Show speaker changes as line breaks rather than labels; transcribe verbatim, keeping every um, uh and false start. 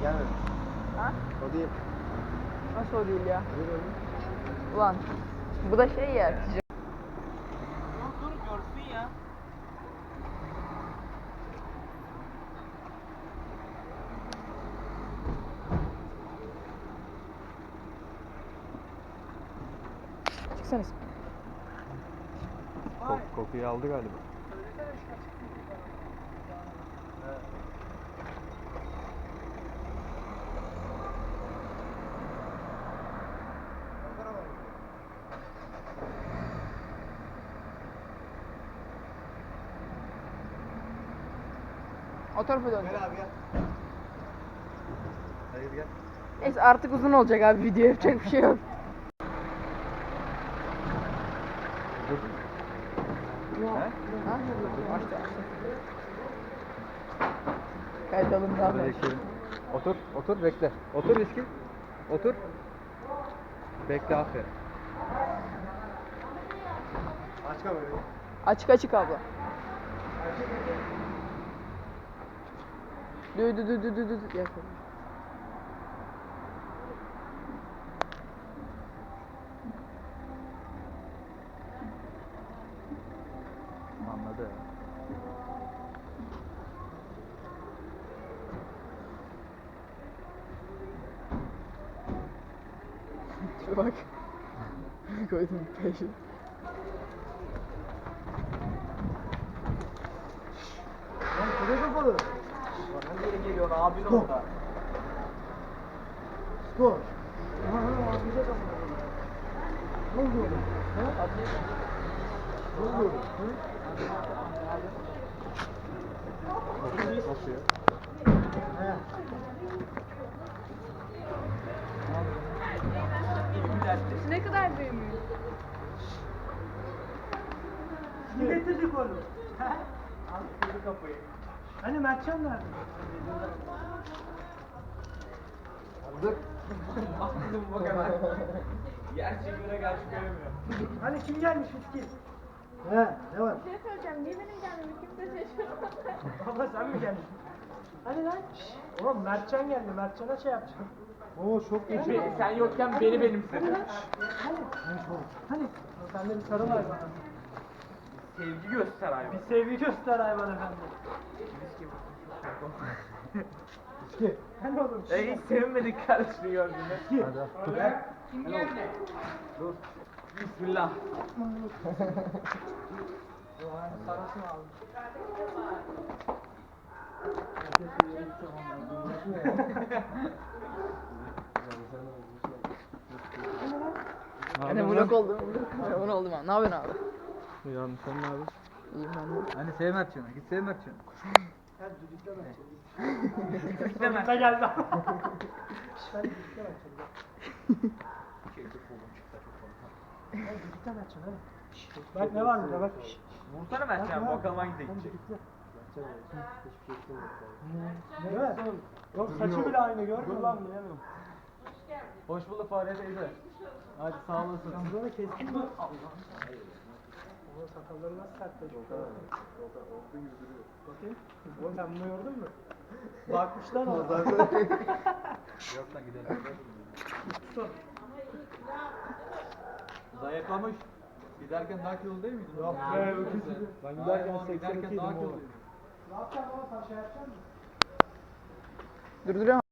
Gelmedi.
Ha?
O değil.
Nasıl o değil ya? Ulan bu da şey ya.
Dur dur görsün ya.
Çıksana.
Kok kokuyu aldı galiba.
O tarafa dön.
Gel abi gel. Hayır gel.
Neyse artık uzun olacak abi, video yapacak bir şey yok.
Dur.
Ha?
He?
Açtı açtı. Kaydalım daha
Hadi
ben.
bekleyelim. Otur, otur bekle. Otur riski. Otur. Bekle aferin. Aç kamerayı.
Açık açık abla. Dü dü dü dü dü dü. Yak.
Anladı.
Şuna bak. Koydum peşin.
Lan kule kapalı.
Hangi yere geliyor abin orada?
Skor. Ha ha atlayacak ama. Ne oldu oğlum? Ha? Ne oldu oğlum? Ha? Nasıl ya? He.
Ne kadar büyümüyor?
Kim getirdik onu?
Al kırdı kapıyı.
Hani Mertcan nerede?
Dur.
Baktım bu kadar. Gerçi göre karşı göremiyor.
Hani kim gelmiş miskin?
He, ne var?
Bir şey söyleyeceğim. Niye benim gelmemi kimse şaşırmadı?
Baba sen mi geldin? Hani lan? Oğlum Mertcan geldi. Mertcan'a şey yapacağım.
Oo çok iyi.
Be- sen yokken beni benimsedin.
Hani? Hani? Sen de bir sarıl hayvana.
Sevgi göster hayvan.
Bir sevgi göster hayvan efendi.
İki.
Hani oğlum?
E hiç sevinmedik kardeşini gördüğünde.
Hadi. Dur.
Kim geldi? Dur. Bismillah.
Sarasını aldım.
Hani vlog oldu. Vlog oldu mu? Ne yapıyorsun abi?
Yanlış sen ne abi?
İyiyim ben de.
Hani sev Mertcan'a, git sev Mertcan'a.
Gel düdükle Mertcan'ı.
İstemez.
Düdükle geldi ama. Ben düdükle Mertcan'ı. Gel düdükle Mertcan'ı hadi. Bak ne var burada bak.
Vursana ben sen bakalım hangisi gidecek.
Değil mi? Yok saçı bile aynı gördün mü lan diyemiyorum.
Hoş bulduk Fahriye teyze. Hadi sağ olasın.
Sen burada kestin mi? Oğlum sakalları nasıl sertleşmiş? Bakayım. Oğlum sen bunu gördün mü? Bakmışlar ona.
Yok lan gidelim.
Tutun.
Zayıflamış. Giderken daha kilolu değil miydin?
Yok be öküzü.
Ben
giderken
giderken
seksen iki
daha
idim oğlum.
kiloluyum.
Ne yapacaksın baba? Sen şey yapacaksın mı?
Durduruyorum.